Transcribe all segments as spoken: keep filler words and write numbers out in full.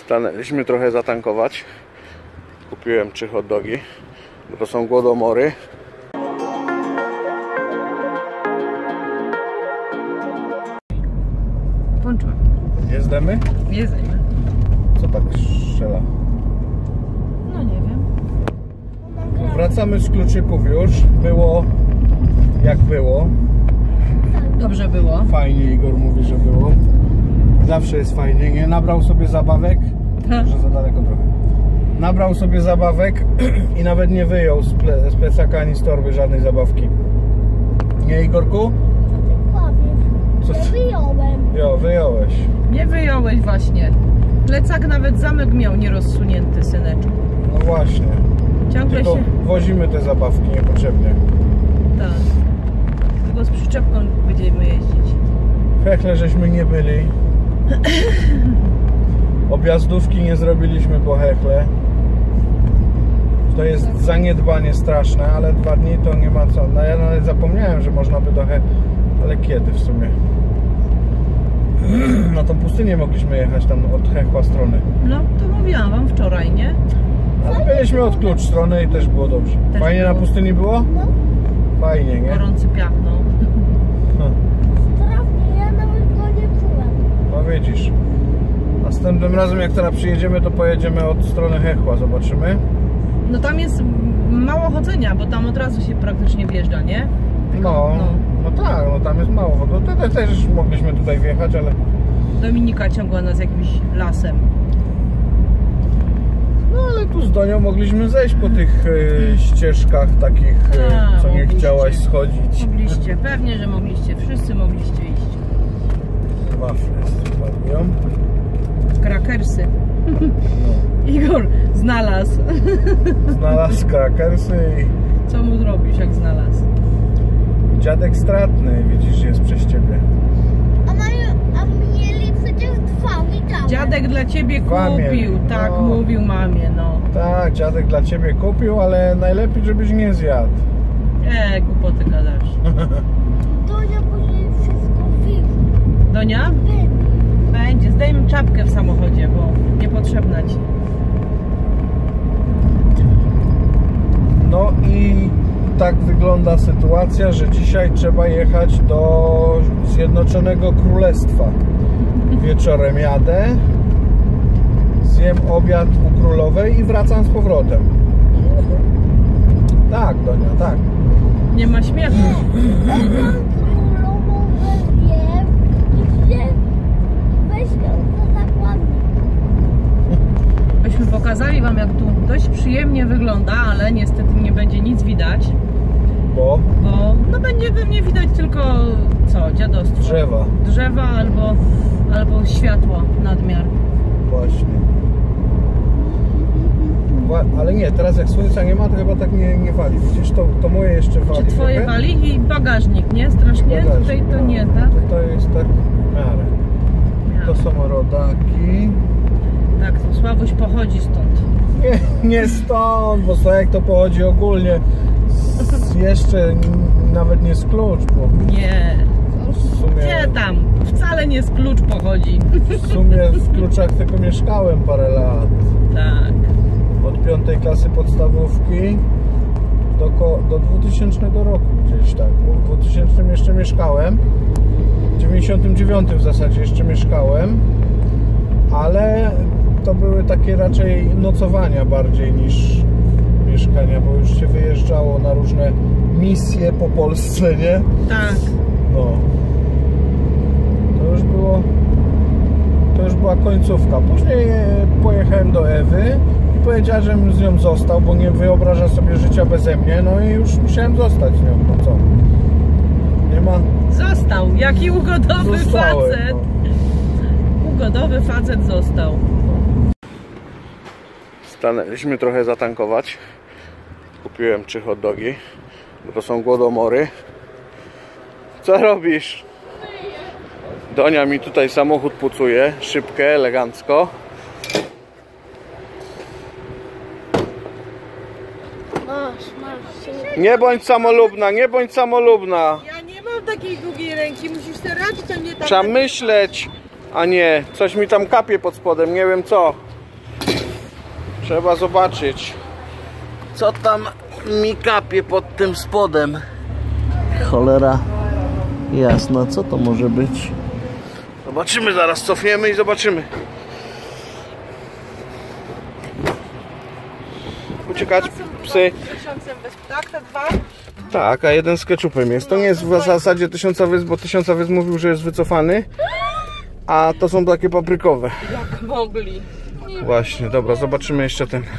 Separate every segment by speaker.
Speaker 1: Stanęliśmy trochę zatankować. Kupiłem trzy hot dogi, bo to są głodomory.
Speaker 2: Włączyłem.
Speaker 1: Jezdemy?
Speaker 2: Jedziemy.
Speaker 1: Co tak strzela?
Speaker 2: No nie wiem.
Speaker 1: Wracamy z Kluczyków już. Było jak było.
Speaker 2: Dobrze było.
Speaker 1: Fajnie, Igor mówi, że było. Zawsze jest fajnie, nie? Nabrał sobie zabawek. Może za daleko trochę. Nabrał sobie zabawek i nawet nie wyjął z, ple, z plecaka ani z torby żadnej zabawki. Nie, Igorku?
Speaker 3: Co ty powiesz? Ja wyjąłem.
Speaker 1: Jo, wyjąłeś.
Speaker 2: Nie wyjąłeś właśnie. Plecak nawet zamek miał nierozsunięty, syneczku.
Speaker 1: No właśnie.
Speaker 2: Ciągle
Speaker 1: Tylko
Speaker 2: się...
Speaker 1: wozimy te zabawki niepotrzebnie.
Speaker 2: Tak. Tylko z przyczepką będziemy jeździć.
Speaker 1: Hechle żeśmy nie byli. Objazdówki nie zrobiliśmy po hechle. To jest zaniedbanie straszne, ale dwa dni to nie ma co. No ja nawet zapomniałem, że można by do hechle. Ale kiedy w sumie? Na tą pustynię mogliśmy jechać tam od hechła strony.
Speaker 2: No to mówiłam wam wczoraj, nie?
Speaker 1: Ale byliśmy od klucz strony i też było dobrze.
Speaker 2: Też
Speaker 1: Fajnie
Speaker 2: było.
Speaker 1: Na pustyni było?
Speaker 3: No,
Speaker 1: Fajnie, nie?
Speaker 2: Gorący piach, no.
Speaker 1: No,
Speaker 3: strasznie, ja nawet go nie czułem.
Speaker 1: no widzisz. Następnym razem jak teraz przyjedziemy, to pojedziemy od strony hechła, zobaczymy.
Speaker 2: No tam jest mało chodzenia, bo tam od razu się praktycznie wjeżdża, nie? Tylko,
Speaker 1: No, no, no tak, no tam jest mało. No, tutaj też mogliśmy tutaj wjechać, ale...
Speaker 2: Dominika ciągła nas jakimś lasem.
Speaker 1: No ale tu z Donią mogliśmy zejść po tych e, ścieżkach takich, e,
Speaker 2: A,
Speaker 1: co nie
Speaker 2: mogliście.
Speaker 1: chciałaś schodzić.
Speaker 2: Mogliście, pewnie, że mogliście. Wszyscy mogliście iść.
Speaker 1: Wafle spadją.
Speaker 2: Krakersy.
Speaker 1: No.
Speaker 2: Igor znalazł.
Speaker 1: Znalazł krakersy i
Speaker 2: Co mu zrobisz, jak znalazł?
Speaker 1: dziadek stratny, widzisz, jest przez ciebie.
Speaker 3: A, mają, a mieli przecież dwa widziałem.
Speaker 2: Dziadek dla ciebie
Speaker 1: Dwa
Speaker 2: kupił,
Speaker 1: mieli,
Speaker 2: tak
Speaker 1: no.
Speaker 2: mówił mamie, no.
Speaker 1: Tak, dziadek dla ciebie kupił, ale najlepiej, żebyś nie zjadł.
Speaker 2: E, głupoty gadasz.
Speaker 3: Donia później wszystko widzi.
Speaker 2: Donia? Będzie, zdejmę czapkę w samochodzie, bo niepotrzebna ci.
Speaker 1: No i tak wygląda sytuacja, że dzisiaj trzeba jechać do Zjednoczonego Królestwa. Wieczorem jadę, zjem obiad u królowej i wracam z powrotem. Tak, Donia, tak.
Speaker 2: Nie ma śmiechu.
Speaker 3: Jak mam królową wezmie, to się weź ją do zakładnika.
Speaker 2: Byśmy pokazali wam, jak tu dość przyjemnie wygląda, ale niestety nie będzie nic widać,
Speaker 1: Bo
Speaker 2: bo no będzie pewnie widać tylko co, dziadostwo.
Speaker 1: drzewa.
Speaker 2: Drzewa albo, albo światło nadmiar.
Speaker 1: Właśnie. Wła- Ale nie, teraz jak słońca nie ma, to chyba tak nie, nie wali. Widzisz, to, to moje jeszcze wali.
Speaker 2: Czy twoje
Speaker 1: trochę.
Speaker 2: wali i bagażnik, nie? Strasznie?
Speaker 1: Bagażnik,
Speaker 2: Tutaj to
Speaker 1: no.
Speaker 2: nie, tak?
Speaker 1: Tutaj jest tak w miarę. To są rodaki.
Speaker 2: Tak, to Sławuś pochodzi stąd.
Speaker 1: Nie, nie stąd, bo Sławek to pochodzi ogólnie. Z, jeszcze nawet nie z klucz, bo
Speaker 2: Nie.
Speaker 1: w sumie,
Speaker 2: Gdzie tam? Wcale nie z klucz pochodzi.
Speaker 1: w sumie w Kluczach tylko mieszkałem parę lat.
Speaker 2: Tak.
Speaker 1: Od piątej klasy podstawówki do, ko- do dwutysięcznego roku gdzieś tak. Bo w dwutysięcznym jeszcze mieszkałem. W dziewięćdziesiątym dziewiątym w zasadzie jeszcze mieszkałem. Ale to były takie raczej nocowania bardziej niż mieszkania, bo już się wyjeżdżało na różne misje po Polsce, nie?
Speaker 2: Tak.
Speaker 1: No. To już było... To już była końcówka. Później pojechałem do Ewy i powiedziała, żebym z nią został, bo nie wyobraża sobie życia beze mnie, no i już musiałem zostać z nią, no co? Nie ma...
Speaker 2: Został. Jaki ugodowy
Speaker 1: Zostałem,
Speaker 2: facet.
Speaker 1: no.
Speaker 2: Ugodowy facet został.
Speaker 1: Stanęliśmy trochę zatankować. Kupiłem trzy hot dogi, bo to są głodomory. Co robisz? Donia mi tutaj samochód pucuje, szybkę, elegancko.
Speaker 3: Masz, masz.
Speaker 1: Nie bądź samolubna, nie bądź samolubna.
Speaker 2: Ja nie mam takiej długiej ręki, musisz sobie radzić, a nie tak.
Speaker 1: Trzeba myśleć, a nie, coś mi tam kapie pod spodem, nie wiem co. Trzeba zobaczyć, co tam mi kapie pod tym spodem. Cholera jasna, co to może być? Zobaczymy, zaraz cofniemy i zobaczymy. Uciekać, psy.
Speaker 2: Tak, te dwa?
Speaker 1: Tak, a jeden z ketchupem jest. To nie jest w zasadzie tysiąca wysp, bo tysiąca wysp mówił, że jest wycofany. A to są takie paprykowe.
Speaker 2: Jak mogli.
Speaker 1: Właśnie, dobra, zobaczymy jeszcze ten.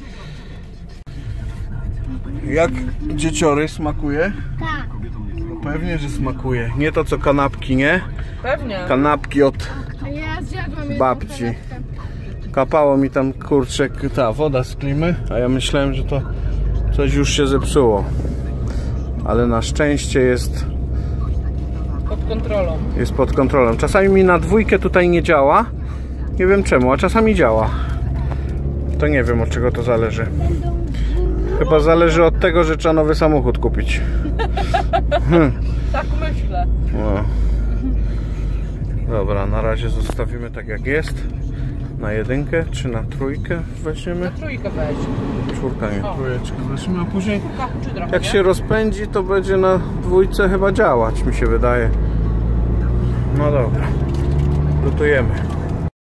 Speaker 1: Jak dzieciory smakuje?
Speaker 3: Tak.
Speaker 1: No pewnie, że smakuje. Nie to co kanapki, nie?
Speaker 2: Pewnie.
Speaker 1: Kanapki od
Speaker 3: A ja zjadłam
Speaker 1: babci. Kapało mi tam kurczę ta woda z klimy, a ja myślałem, że to coś już się zepsuło. Ale na szczęście jest
Speaker 2: Pod kontrolą.
Speaker 1: jest pod kontrolą. Czasami mi na dwójkę tutaj nie działa. Nie wiem czemu, a czasami działa. To nie wiem, od czego to zależy. Chyba zależy od tego, że trzeba nowy samochód kupić. Hmm.
Speaker 2: Tak myślę.
Speaker 1: No. Dobra, na razie zostawimy tak jak jest. Na jedynkę czy na trójkę weźmiemy?
Speaker 2: Na trójkę weź.
Speaker 1: Czwórka nie,
Speaker 2: O.
Speaker 1: trójeczkę weźmiemy, a później
Speaker 2: Czy trochę,
Speaker 1: jak
Speaker 2: nie?
Speaker 1: się rozpędzi, to będzie na dwójce chyba działać, mi się wydaje. No dobra, lutujemy.